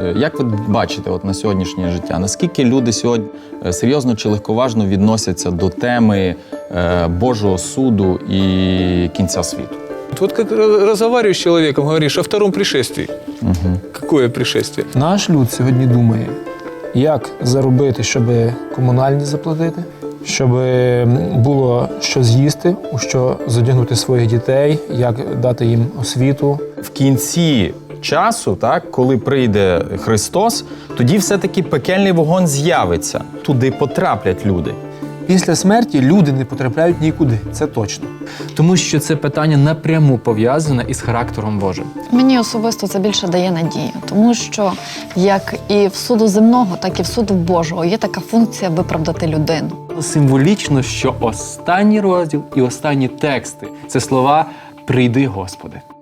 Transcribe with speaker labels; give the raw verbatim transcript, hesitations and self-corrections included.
Speaker 1: Як ви бачите от на сьогоднішнє життя, наскільки люди сьогодні серйозно чи легковажно відносяться до теми Божого суду і кінця світу?
Speaker 2: Вот как разговариваешь с человеком, говоришь о втором пришествии.
Speaker 1: Угу.
Speaker 2: Какое пришествие?
Speaker 3: Наш люд сьогодні думає, як заробити, щоб комунальні заплатити, щоб було що з'їсти, у що задягнути своїх дітей, як дати їм освіту.
Speaker 1: В кінці часу, так, коли прийде Христос, тоді все-таки пекельний вогонь з'явиться. Туди потраплять люди.
Speaker 3: Після смерті люди не потрапляють нікуди, це точно.
Speaker 4: Тому що це питання напряму пов'язане із характером Божим.
Speaker 5: Мені особисто це більше дає надію, тому що як і в суду земного, так і в суду Божого є така функція виправдати людину.
Speaker 4: Символічно, що останній розділ і останні тексти – це слова «Прийди, Господи».